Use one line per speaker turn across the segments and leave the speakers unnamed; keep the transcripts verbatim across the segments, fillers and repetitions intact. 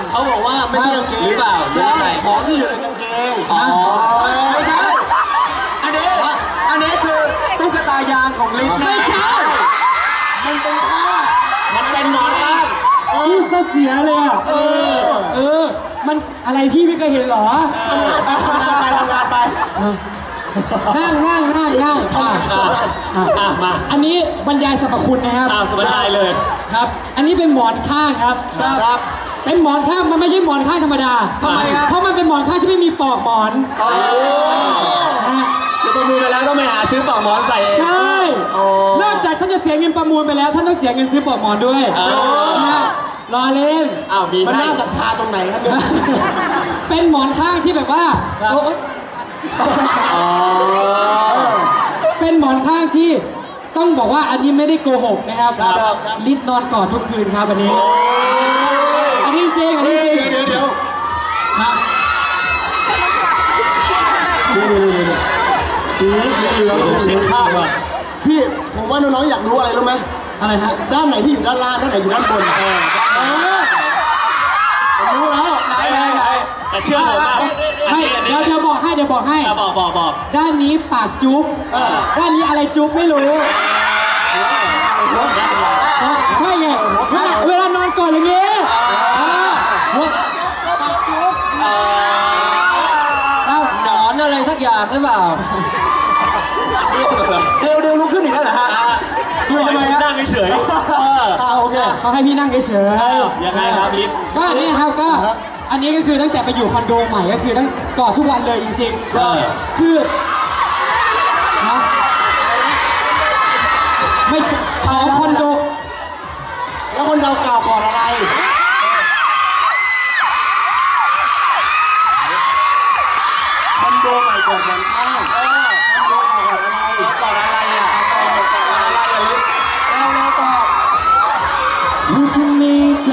เขาบอกว่าไม่ใช่กางเกง
หรือเปล่าหรืออะไร
ของที่อยู่ในกางเกง
อ๋อ
ไม่ใช่อันนี้อันนี้คือตุ๊กตายางของลิฟต์นะ
ไม่ใช่
มันเป็นผ้า
มันเป็นหมอนข้าง
พี่ซะเสียเลยอ่ะเออเออมันอะไรพี่ไม่เคยเห็นหรอ
ไปทำงานไปทำงานไป
นั่งนั่งนั่งนั่งอ่ะ
อ่ะ
อ่ะ
อ่ะมา
อันนี้บรรยายสรรพคุณนะครับ
อ้าวสบายเลย
ครับ อันนี้เป็นหมอนข้างครับ
ครับ
เป็นหมอนข้างมันไม่ใช่หมอนข้างธรรมดา
ทำไมครับ
เพราะมันเป็นหมอนข้างที่ไม่มีปลอกหมอนนะฮะ
เดี๋ยวประมูลไปแล้วต้องไปหาซื้อปลอกหมอนใส่เอง
ใช่
โอ้
นอกจากท่านจะเสียเงินประมูลไปแล้วท่านต้องเสียเงินซื้อปลอกหมอนด้วย
อ๋อ
นะฮะรอเล่น
อ้าวมี
มัน
ให้
น่าศรัทธาตรงไหนครับเนี่ย
เป็นหมอนข้างที่แบบว่า
ครับ
โอ้
อ๋อ
เป็นหมอนข้างที่ต้องบอกว่าอันนี้ไม่ได้โกหกนะครับ
ครับครับ
ลิศนอนกอดทุกคืนครับอันนี้ อันนี้จริงอันนี้จริง
เดี๋ยวเดี๋ยว
ครับ
นี่นี่นี่นี่สีเหลือง
ผมเช็คภาพก่อน
พี่ผมว่าน้องๆอยากรู้อะไรรู้ไหม
อะไรฮะ
ด้านไหนที่อยู่ด้านล่างด้านไหนอยู่ด้านบนเออเออผมรู้แล้ว
ไหนไหนไหนแต่เชื่อผมว่าอัน
ไม่
นี้อันนี้
เดี๋ยวเดี๋ยวบอกให้เดี๋ยวบอกให้
อ่ะบอกบอกบอก
ด้านนี้ปากจุ๊บ
เออ
ด้านนี้อะไรจุ๊บไม่รู้ใช่ไงเวลาเวลานอนก่อนอย่างงี้อ่าหัวปากจุ๊บ
เอ่อ
เอ้า
หนอนอะไรสักอย่างหรือเปล่า
เดี๋ยวเดี๋ยวลุกขึ้นอีกแล้วเหรอฮะ
ดูทำไมนั่งเฉยๆเออ
อ่าโอเค
เขาให้พี่นั่งเฉย
เออ
ๆ
ยังไงครับลิฟต์
ก็อันนี้ครับก็
ครับ
อันนี้ก็คือตั้งแต่ไปอยู่คอนโดใหม่ก็คือตั้งกอดทุกวันเลยจริงๆ
เออ
คือนะไม่ใช่ขอคอนโด
แล้วคนเราเก่าก่อนอะไรคอนโดใหม่ก่อนวันข้าง
เออ
คอนโดเก่าก่อนอะไร
ก่อนอะไรอ่ะก่อนก่อนอะไรอ่ะลิฟต์
เราเราต่อ
ผู้ที่มีใจ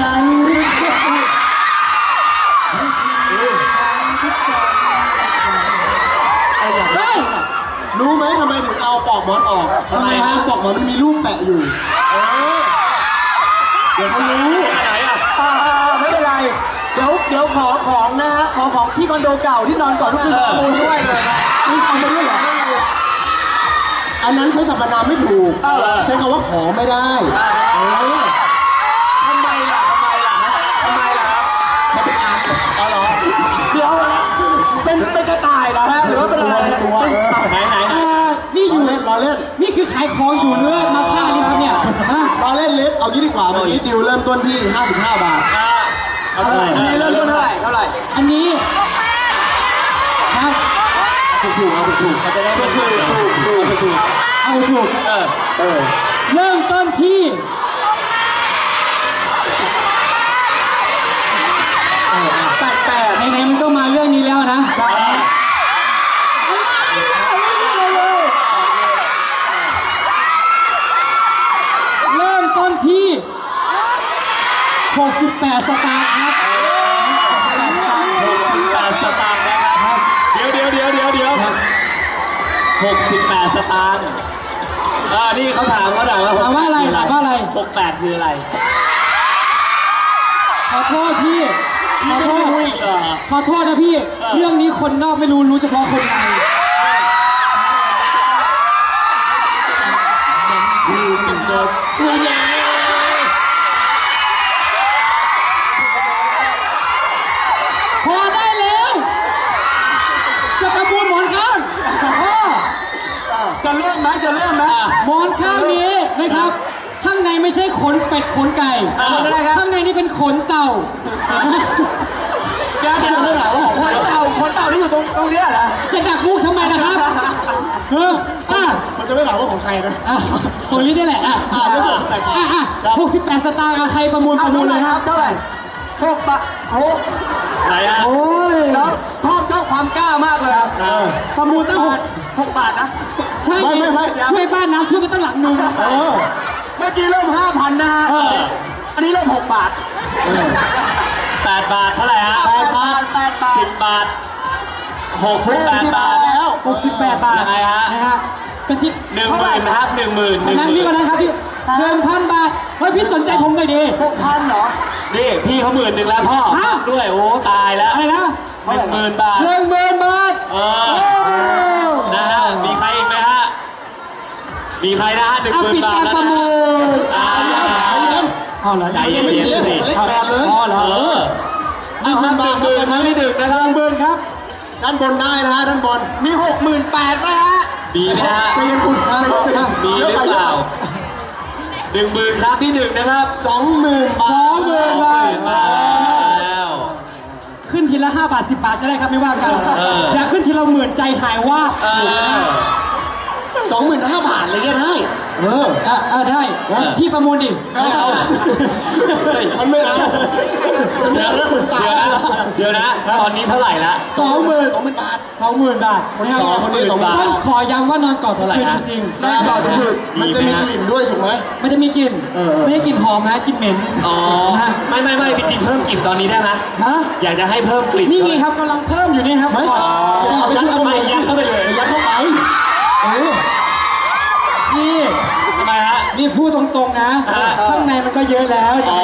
เฮ้ย
รู้ไหมทำไมถึงเอาปลอกหมอนออก
ทำไมฮะ
ปลอกหมอนมันมีรูปแปะอยู่เออเดี๋ยวเขารู้
ไหนอ่ะ
อ่าอ่าอ่าไม่เป็นไร เดี๋ยวเดี๋ยวขอของนะฮะ ขอของที่คอนโดเก่าที่นอนก่อนทุกคืนประมูลด้วยเลยนะ
นี่เอาไปด้วยเหรออันนั้นใช้สรรพนามไม่ถูก
เออ
ใช้คำว่าขอไม่ได้เออ
ทำไมล่ะทำไมล่ะทำไมล่ะครับ
ใช้เป็นอาร์ต
เอาเหรอ
เดี๋ยว เป็นเป็นกระต่ายนะฮะ หรือว่าเป็นอะไรนะ
ตัวเออ
ไหนไหนไหน
เอ่อนี่อ
รอยู่ เล่นรอเล่น
นี่คือขายของอยู่เนื้อมาฆ่านี่ครับเนี่ยฮะ
รอเล่นเล็กเอางี้ดีกว่าเมื่อกี้ดิวเริ่มต้นที่ ห้าสิบห้า บาท
อ่าเอาเท่าไหร่
อันนี้เริ่มต้นเท่าไหร่เท่าไหร่
อันนี้ครับ
ถูกถูกเอาถูกถูกเขาจะได้ถูกถูกถูกถูกถูก
เอาถูก
เออ
เออ
เริ่มต้นที่
เอออ่ะ
แปดแปด
ไหนๆมันก็มาเรื่องนี้แล้วนะ
ใช่
เริ่มต้นที่หกสิบแปดสตางค์ครับ
หกสิบแปดสตางค์นะครับ เดี๋ยวเดี๋ยวเดี๋ยวเดี๋ยวเดี๋ยวหกสิบแปดสตางค์อ่านี่เขาถามเขาถามว่า
ถามว่าอะไรถามว่าอะไร
หกแปดคืออะไร
ขอโทษพี่ขอโทษ
ไม่รู้อีกเหรอ
ขอโทษนะพี่
เออ
เรื่องนี้คนนอกไม่รู้รู้เฉพาะคนใน
ดูจนเกินดูยัง
พอได้แล้ว จะประมูลหมอนข้างพ่อ
จะเริ่มไหมจะเริ่มไหม
หมอนข้างนี้นะครับ ข้างในไม่ใช่ขนเป็ดขนไก่
ขนอะไรครับ
ข้างในนี่เป็นขนเต่า
เดี๋ยวเดี๋ยวขนเต่าขนเต่าที่อยู่ตรงตรงเนี้ยเหรอ
จะดักมุกทำไมนะครับเอออ่ะ
มันจะไม่ถามว่าของใครนะ
อ่ะของนี้ได้แหละอ่ะ
อ่าเรื่องหกสิบแปดบาท
อ่ะอ่ะ
ครับ
หกสิบแปดสตางค์อ่ะใครประมูลป
เอา
ระมูล
เท่าไห
เล
ร่
ย
ค
ค
รั
รั
บบ เท่าไหร่หกบาทโอ้
ไหนฮะ
โอ้ย
แล้วชอบชอบความกล้ามากเลย
เออ
ประมูลตั้งหก
หกบาทนะ
ใช่
ไม่ไม่ไม่
ช่วยบ้านน้ำท่วมไปตั้งหลังหนึง
เออ
เมื่อกี้เริ่มห้าพันนะฮะ
เออ
อันนี้เริ่มหกบาท
เออ
แปดบาทเท่าไหร่ฮะ
แปดบาทแปดบาท
สิบบาทหกสิบแปดบาท
แล้ว
หกสิบแปดบาท
ยังไงฮะ
นะฮะกะทิ
หนึ่งหมื่นนะครับหนึ่งหมื่นหนึ่ง
นั้น
ห
พี่
มื่
ก่อน
น
นะครับพี่หนึ่งพันบาท เฮ้ยพี่สนใจผมหน่อยดิ
หกพันเหรอ
นี่พี่เขาหมื่นหนึ่งแล้วพ่อ
ฮะ
ด้วยโอ้ตายแล้ว
อะไรนะ
หนึ่งหมื่นบาท
หนึ่งหมื่นบาท
เออนะฮะมีใครอีกไหมฮะมีใครนะฮะหนึ่ง
เอา
หมื่น
ปิด
บาท
การ
แล้ว
ประ
นะ
มูล
อ่า
เอาเหรอ
ใจเย็น
ไม่
ๆ
เล่น
สิ
เลขแปดเลย
อ๋อเหรอ
เออ
หนึ่งหมื่นบาท
ห
ครับ
มื่
ตอน
ครั้ง
นี้
ที่หนึ่งนะครับ
หมื่นครับ
ด้านบนได้นะฮะด้านบน
มีหกหมื่นแปดนะฮะ
มีไหมฮะ
ใจเย็นคุณใจเย็น
มีหรือเปล่าหนึ่งหมื่นครั้งที่หนึ่งนะครับ
สองหมื่นบาท
สองหมื่นบาท
มาแล้ว
ขึ้นทีละห้าบาทสิบบาทก็ได้ครับไม่ว่ากัน
เออ
อย่าขึ้นทีละหมื่นใจหายว่าบ
เออ
สองหมื่นห้าบาทเลยก็ได้ เออ
อ่ะอ่ะได้
เออ
พี่ประมูลดิ
ไม่เอา ฉันไม่เอา ฉันไม่เอาแล้วคุณตา
เดี๋ยวนะ เดี๋ยวนะ ตอนนี้เท่าไหร่ละ
สองหมื่น
สองหมื่นบาท
สองหมื่นบาท
คนที่สองคนที่สอง
ต้องขอย้ำว่านอนกอดทุกคืนจริง
ได้ก่อนคือมันจะมีกลิ่นด้วยถูกไหม
ๆมันจะมีกลิ่น
เออเออ
ไม่ได้กลิ่นหอมนะกลิ่นเหม็น
อ๋อ
นะฮะ
ไม่ไม่ไม่ไปกินเพิ่มกลิ่นตอนนี้ได้ไหม
ฮะ
อยากจะให้เพิ่มกลิ่น
นี่ไงครับกำลังเพิ่มอยู่นี่ครับ
ไม่
ก่อน
เอายัดเข้าไป
ยัดเข้าไปเลย
ยัดเข้าไปเออ
นี่
ทำไมฮะ
นี่พูดตรงๆนะ
ฮะ
ข้างในมันก็เยอะแล้ว
อ๋อ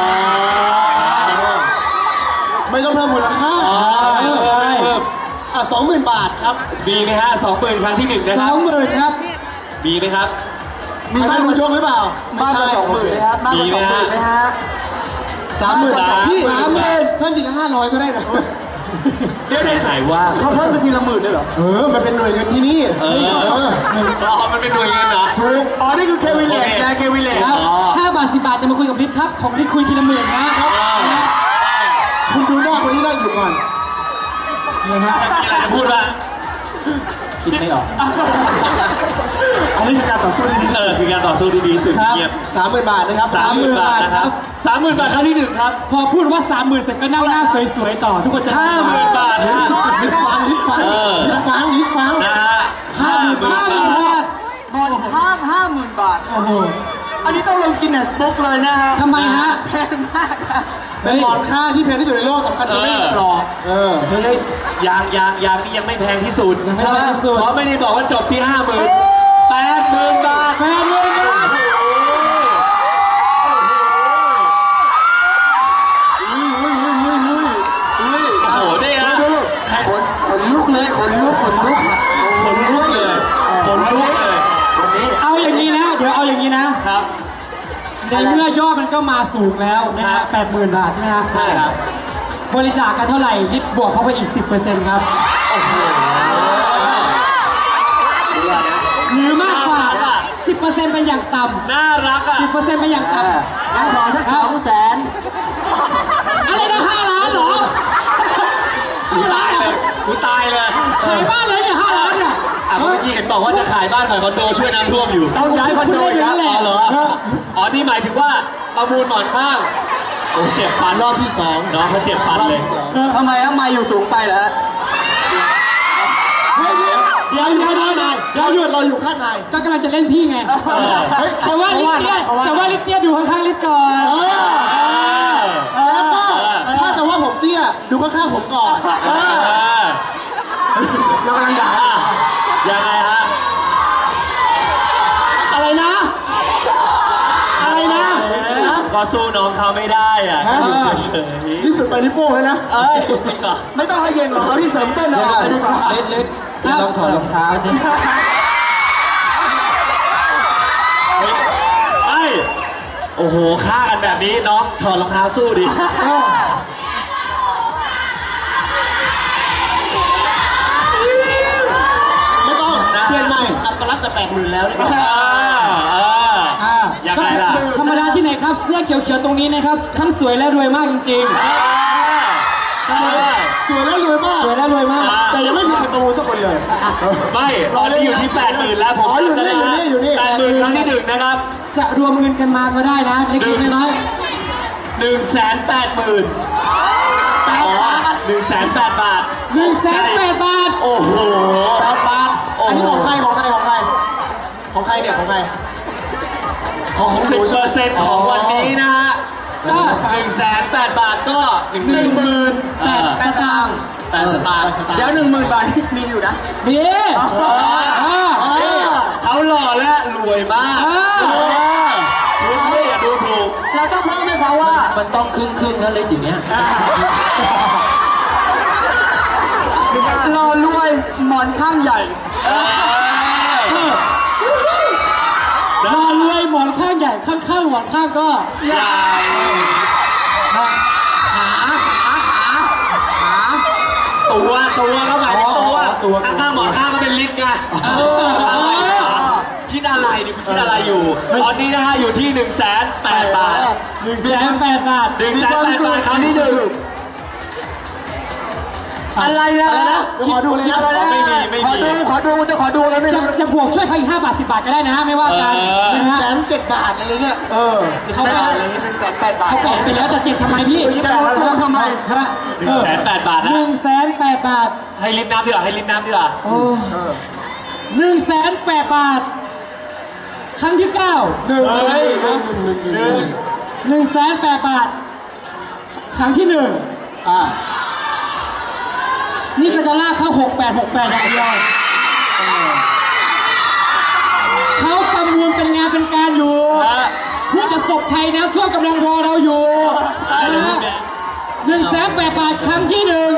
ไม่ต้องเพิ่มมูลค่า
อ๋อเพิ่มเพิ่ม
อ่ะสองหมื่นบาทครับ
มีไหมฮะสองหมื่นครั้งที่หนึ่งนะ
ส
ค
อ
รับ
งหมื่นครับ
มีไหมครับ
มีบ้านดูยกหรือเปล่า
มากกว่าสองหมื่นไหมครับมากกว่าสองหมื่นไหมฮะ
สามหมื่น
สาม
พี่
สามหมื่น
เพิ่มทีละห้าร้อยก็ได้นะ
เดี๋ยวหายว่า
เขาเพิ่มเป็นทีละหมื่นเลยเหรอ
เออ มันเป็นหน่วยเงินที่นี่
เออ
เออ
อ๋อมันเป็นหน่วยเงินเหรอ
ถูก
อ๋อ นี่คือเควิเลตนะเควิเลต
ครับ
อ๋อ
ห้าบาทสิบบาทจะมาคุยกับลิศครับ ของลิศคุยทีละหมื่นนะ
คุณดูหน้าคนนี้นั่งอยู่ก่อน
มีอะไรจะพูดบ้าง
คิดไม่ออก
อันนี้คือการต่อสู้ที่ดี
เออคือการต่อสู้ที่ดีสุด
ครับ
เงียบ
สามหมื่นบาทนะครับ
สามหมื่นบาทนะครับสามหมื่นบาทครั้งที่หนึ่งครับ
พอพูดว่าสามหมื่นเสร็จก็นั่งหน้าสวยๆต่อ ทุกคนจะ
ห้าหมื่นบาทฮะ
ลิฟฟังลิฟฟัง
เออ
ลิฟฟังลิฟฟัง
นะฮะห้าหมื่น
ห้า
บา
หมื่น
ท
บาท
บอลห้ามห้าหมื่นบาท
โอ้โห
อันนี้ต้องลงกินเนสบุ๊กเลยนะฮะ
ทำไมฮะ
แพงมากครับ
เป็นหมอนข้างที่แพงที่สุดในโลกสำคัญจะไม่กรอบเออ
เฮ้ยยางยางยางนี่ยังไม่แพงที่สุด
ยังไม่แพงที่สุด
เพราะไม่ได้บอกว่าจบที่ห้าหมื่นแปดหมื่นบาท
แพงเลยนะ
โอ้โหได้ฮะ
ขนขนลุกเลยขนลุกขนลุก
ขนลุกเลยขนลุกเลย
เอาอย่างนี้นะ เดี๋ยวเอาอย่างนี้นะ
ครับ
ในเมื่อยอดมันก็มาสูงแล้วนะฮะแปดหมื่นบาทใช่ไหมฮะ
ใช่ครับ
บริจาคกันเท่าไหร่ลิศบวกเข้าไปอีกสิบเปอร์เซ็นต์ครับ
โอ้โห
หรือมากกว่า
น่ารักอะ
สิบเปอร์เซ็นต์เป็นอย่างต่
น่ารักอ่ะ
ำสิบเปอร์เซ็นต์เป็นอย่างต่ำ
งั้นขอสักสองแสน
อะไรนะห้าล้านเหรอห้าล้า
ตาน ย
เหร
เล
อย
กูตายเลย
ขายบ้านเลยเนี่ยห้าล้านเนี่ย
อ่ะเมื่อกี้เห็นบอกว่าจะขายบ้านขายคอนโดช่วยน้ำท่วมอยู่
ต้องย้ายคอนโดอีกแล้ว
อ๋อเหรอ อ๋อ นี่หมายถึงว่าประมูลหมอนข้าง โอ้เจ็บฟัน
รอบที่สอง
น้องเขาเจ็บฟัน
รอบ
เลย
ที่สอง
ทำไมอะไม่อยู่สูงไปเหรอฮะ
เฮ้ยลิฟ
เดี๋ยวเดี๋ยวเดี๋ยว
เรา
เดี๋ยวหยุด
เราอยู่ข้างใน
ก็กำลังจะเล่นพี่ไง
เฮ้ย
แต่ว่าลิศเนี่ย
เอาว่า
แต่ว่าลิศเนี่ยดูข้างๆลิศก่อน
เออแล้วก็ถ้าจะว่าผมเตี้ยดูข้างๆผมก่อนเออเดี๋ยวกำลังด่า
อ่ะยังไงฮะ
อะไรนะ อะไรนะนะ
ก็สู้น้องเขาไม่ได้อ่ะ
ฮะ
อยู่เฉย
ที่สุดไปนิ้วโป้งเลยนะ
ๆเอ้ยจริงเหรอ
ไม่ต้องให้เย็นหรอกเอาที่เสริมเส้นเอาออกไปดีกว่า
ลิศลิศลองถอดรองเท้าสิ
ไอ้ยโอ้โหฆ่ากันแบบนี้น้องถอดรองเท้าสู้ดิ
ไม่ต้อง เปลี่ยนใหม่อัปลักษณ์แต่แปดหมื่นแล้วนี่ก็
อ่าอ่า
อ่า
ยังไงล่ะ
ธรรมดาที่ไหนครับ เสื้อเขียวๆตรงนี้นะครับ ทั้งสวยและรวยมากจริง
อ่าอ่า
สวยแล้วรวยมาก
ๆ สวยและรวยมาก
แต่ยังไม่มีใครประมูลสักคนเลย
ไม่ตอนนี้อยู่ที่แปดหมื่นแล้วผม
อ๋ออยู่นี่อยู่นี่อยู่นี่
แปดหมื่นครั้งที่หนึ่งนะครับ
จะรวมเงินกันมาก็ได้นะเล็กๆน้อย
หนึ่งแสนแปดหมื่นอ๋อหนึ่งแสนแปดบาท
ๆหนึ่งแสนแปดบาท
โอ้โห
แปดบาท
โอ้
อัน
โห
นี้ของใครของใครของใครของใครเนี่ยของใครของของห
สิ
นู
บเปอร์เซ็นต์ของวันนี้นะฮะ
ก็
หนึ่งแสนแปดบาทก็หนึ่ง
หนึ่งหมื่นแปด
แปดสตางค์
แปดสตางค์
เดี๋ยวหนึ่งหมื่นบาทนี่มีอยู่นะ
ดีอ่า
นี่เขาหล่อและรวยมาก
อ่า
เออดูสิอย่าดูถูก
แล้วถ้าเพิ่มไม่พอราะว่า
มันต้องครึ่งครึ่งๆแล้วเล่นอย่างเงี้ย
รอรวยหมอนข้างใหญ่
รอรวยหมอนข้างใหญ่ข้างๆหมอนข้างก็
ใหญ่
ขาขาขาขา
ตัวตัวก็หมายถึงตัว
อ๋อตัว
ข้างๆหมอนข้างก็เป็นลิฟต์ไง
เออ
คิดอะไรดิคิดอะไรอยู่ตอนนี้นะฮะอยู่ที่หนึ่งแสนแปดบาท
หนึ่งแสนแปดบาท
หนึ่งแสนแปดบาทครั้งที่หนึ่งอะไรนะ
เดี๋ยวขอดูเลยนะ
ไม่มีไม่
ขอ
มี
ดูขอดูจะขอดูแล้วไม่
จะ
รู้
จะบวกช่วยเขาอีกห้าบาทสิบบาทก็ได้นะไม่ว่ากัน
เออ
นะฮะ
แสนเจ็ดบาทอะไรเงี้ยเออสิบ
เขา
บา
แปะ
ทอะไรเงี้ย
หนึ่งแสนแปดบาท
เขาแปะไปแล้วจะเจ็ดทำไมพี่
จะลดลงทำไม
ฮะ
หนึ่งแสนแปดบาทนะ
หนึ่งแสนแปดบาท
ให้ลิฟต์น้ำดีกว่าให้ลิฟต์น้ำดีกว่า
โอ้
เออ
หนึ่งแสนแปดบาท ครั้งที่เก้า
หนึ่ง
เฮ้ย
หนึ่งหนึ่งหนึ่งหนึ่ง
หนึ่งแสนแปดบาท ครั้งที่หนึ่ง
อ่า
นี่ก็จะลากเข้าหกแปดหกแปดอย่างเดียวเขาประมูลเป็นงานเป็นการอยู่
ฮะ
ผู้ประสบภัยน้ำท่วมกำลังรอเราอยู่นะฮะหนึ่งแสนแปดบาทครั้งที่หนึ่ง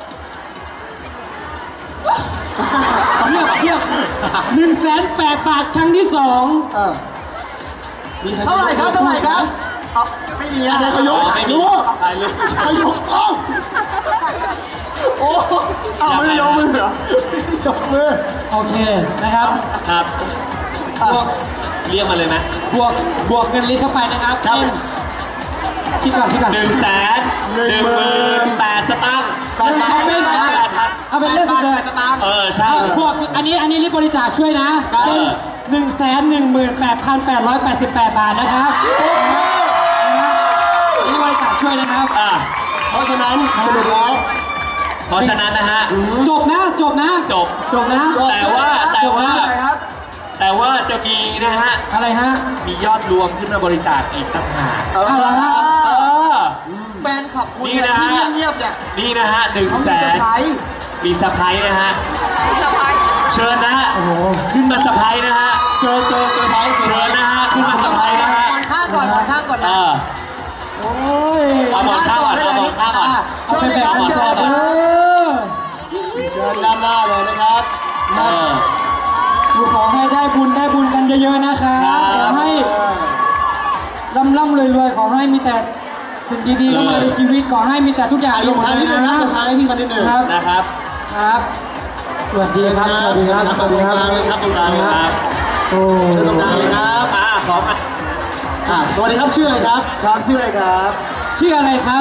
เทียบเทียบหนึ่งแสนแปดบาทครั้งที่สอง
เออมีใค
เท่าไหร่ครับเท่าไหร่ครับเอาไม่มี
อัน
นะ
นี้เขายก
อ๋อ
ถ่า
ไม่
ย
มี
รูป
ถ่ายรูป
เขายกกล้องโอ้
เอาไม่ได้ยกมือเหรอย
กมือ
โอเคนะครับ
ครับ
บวก
เรียกมาเลยไหม
บวกบวกเงินลิตรเข้าไปนะครับ
ครับ
เป็นคิดก่อนคิดก่อน
หนึ่งแสนหนึ่งหมื่นแปดสตางค์
แปดบาท
เอาเป็น
แปดพัน
เอาเป็นเรื่องสุดเลย
ตาม
เออใช่
เอาบวกอันนี้อันนี้รีบบริจาคช่วยนะเป็นหนึ่งแสนหนึ่งหมื่นแปดพันแปดร้อยแปดสิบแปดบาทนะครับนะครับนี่บริจาคช่วยนะครับ
อ่ะ
เพราะฉะนั้นสรุปแล้ว
เพราะฉะนั้นนะฮะ
จบนะจบนะ
จบ
จบนะ
จบ
แต่ว่าแต่ว่า
เท่าไหร่ครับ
แต่ว่าจะมีนะฮะ
อะไรฮะ
มียอดรวมขึ้นมาบริจาคอีกต่างหาก
เออ
เอาละฮะ
เออ
แฟนขับคุณ
นี่
เนี่ย
นะ
ที่เงียบๆเนี่ย
นี่นะฮะหนึ่ง
เขา
แส
มีเซอร์
น
ไพรส์
มีสะพายนะฮะเชิญนะฮะ
โอ้โห
ขึ้นมาสะพายนะฮะ
เซอร์เซอร์เซอร์ไพรส์
เชิญนะฮะขึ้นมาสะพายนะฮะ
หมอนข้างก่อนหมอนข้างก่อน
เอ
นะ
อ
โอ้ย
เอาหมอนข้างก่อนเอาหมอนข้างก่อน
เชิญเลยครับเชิญเลยค
เอ
รับ
อ
เชิญด้านหน้าเลยนะครับ
เออ
ขอให้ได้บุญได้บุญกันเยอะๆนะครับ
ครับ
ขอให้ร่ำร่ำรวยรวยๆขอให้มีแต่สิ่งดีๆเข้ามาในชีวิตขอให้มีแต่ทุกอย่าง
อ่ะลงท้ายนิดนึงนะลงท้ายให้พี่กันนิดนึง
ครับ
นะครับ
ครับ สวัสดีครับ สวัสดีครับ
ตรงกลางเลยครับตรงกลางเลย
ค
ค
รั
รั
บบ
โอ้
เชิญตรงกลางเลยครับ
อ่าขอมา
อ่ะสวัสดีครับชื่ออะไรครับ
ครับชื่ออะไรครับ
ชื่ออะไรครับ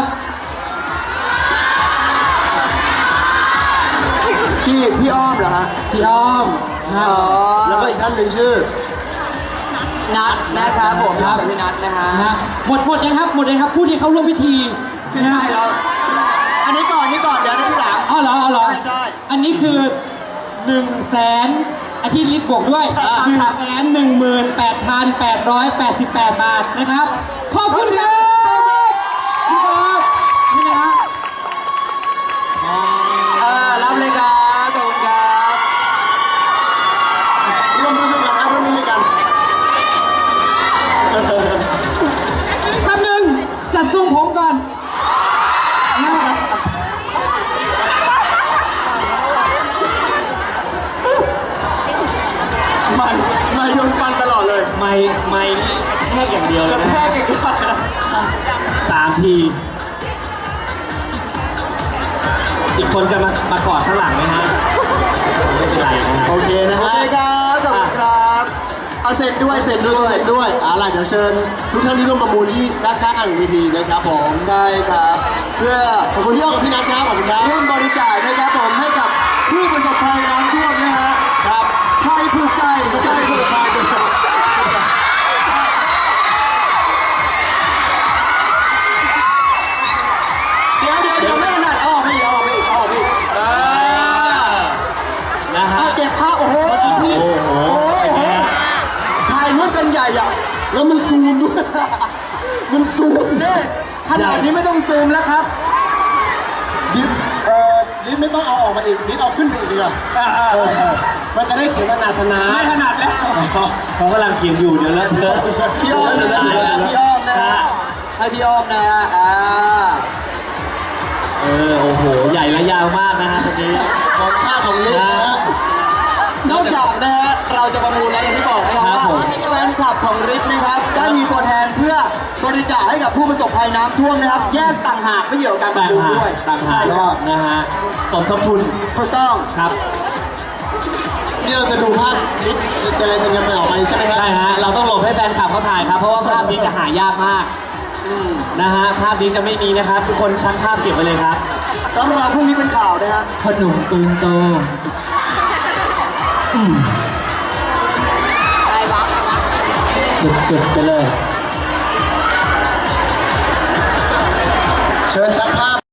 พี่พี่อ้อมเหรอฮะ
พี่อ้อมครั
อ๋อบ
แล้วก็อีกท่านหนึ่งชื่อ
นัดนะครับผม
ครับ
พี่นัดนะฮะ
นะหมดหมดยังครับ หมดเลยครับ ผู้ที่เขาร่วมพิธี
ไม่ได้แล้วอันนี้ก่อนนี่ก่อนเดี๋ยวนะที่หลัง
อ๋อเหรออ๋อเหรอ
ใช่ใช่
อันนี้คือหนึ่งแสนอาทิตย์ลิฟต์บวกด้วย
ครับ
หนึ่งแสนหนึ่งหมื่นแปดพันแปดร้อยแปดสิบแปดบาทนะครับ ขอบคุณครับพี่บอสนี่นะฮะ
เออรับเลยครับขอบคุณครับ
ร่วมด้วยช่วยกันนะร่วมด้วยช่วยกัน
แป๊บหนึงจัดทรงผมก่อนนะ
ไม่ไม่โดนฟันตลอดเลย
ไม่ไม่นี่แค่อย่างเดียวเล
กระ
ย
แท
นะ
กอีกแล้ว
สามที อีกคนจะมามากอดข้างหลังไหมฮะไม่เป็นไรนะฮะ
โอเคนะ
โอ
ฮะ
เคครับขอบคุณครับเอาเซ็นด้วยเซ็น
ด้
ด้
ว
วย ย
ด้วยอ่าล่ะเดี๋ยวเชิญทุกท่านที่ร่วมประมูลที่ด้านข้างเวทีนะครับผม
ใช่ครับ เพื่อ
ขอบคุณที่ออกกับพี่นัทครับขอบคุณครับ
ร่วมบริจาคนะครับผมให้กับผู้ประสบภัยน้ำท่วมนะฮะ
ครับ
ไทยผูกใจใจผูกพันเดี๋ยวเดี๋ยวเดี๋ยวไม่ถนัดเอาออกไปอีกเอาออกไปอีกเอาออกไปอีก
เออนะฮะ
เอาเก็บภาพโอ้โห
โอ้โห
โอ้โหถ่ายรูปกันใหญ่อะ
แล้วมันซูมด้วย มันซูม
นี่ขนาดนี้ไม่ต้องซูมแล้วครับ
ลิฟต์เอ่อลิฟต์ไม่ต้องเอาออกมาอีกลิฟต์เอาขึ้นไปอีกดีกว่าเออมันจะได้เขียนขนาดนา
ไม่ถนัดแล้ว
เขากำลังเขียนอยู่เดี๋ยวเลอะเทอะ
พี่อ้อมนะ
เดี๋ยวเลอะเทอะ
พี่อ้อมนะฮะ
ฮะ
ให้ให้พี่อ้อมนะฮะอ่า
เออโอ้โหใหญ่และยาวมากนะฮะตรงนี้
ของค่าของลิฟต์นะฮะ
นอกจากนะฮะเราจะประมูลแล้วอย่างที่บอกนะครับ
ครับ
ว่า
ผม
แฟนคลับของริฟนะครับได้มีตัวแทนเพื่อบริจาคให้กับผู้ประสบภัยน้ำท่วมนะครับ แยกต่างหากไม่เกี่ยวกับการประ
ต่าง
มูล
หาก
ด้วย
ต่างหา
ใช่
ก
ครับ
นะฮะสมทบทุน
ถูกต้อง
ครับ
นี่เราจะดูภาพลิฟต์เจริญสัญญาณออกไปใช่ไหมครับ
ใช่ฮะเราต้องหลบให้แฟนคลับเขาถ่ายครับเพราะว่าภาพนี้จะหายากมาก
อืม
นะฮะภาพนี้จะไม่มีนะครับ ทุกคนชั้นภาพเก็บไว้เลยครับ
ต้องรอพรุ่งนี้เป็นข่าวนะฮะ
ขนมปืนโตอืมสุดๆไปเลย
เชิญชักภาพ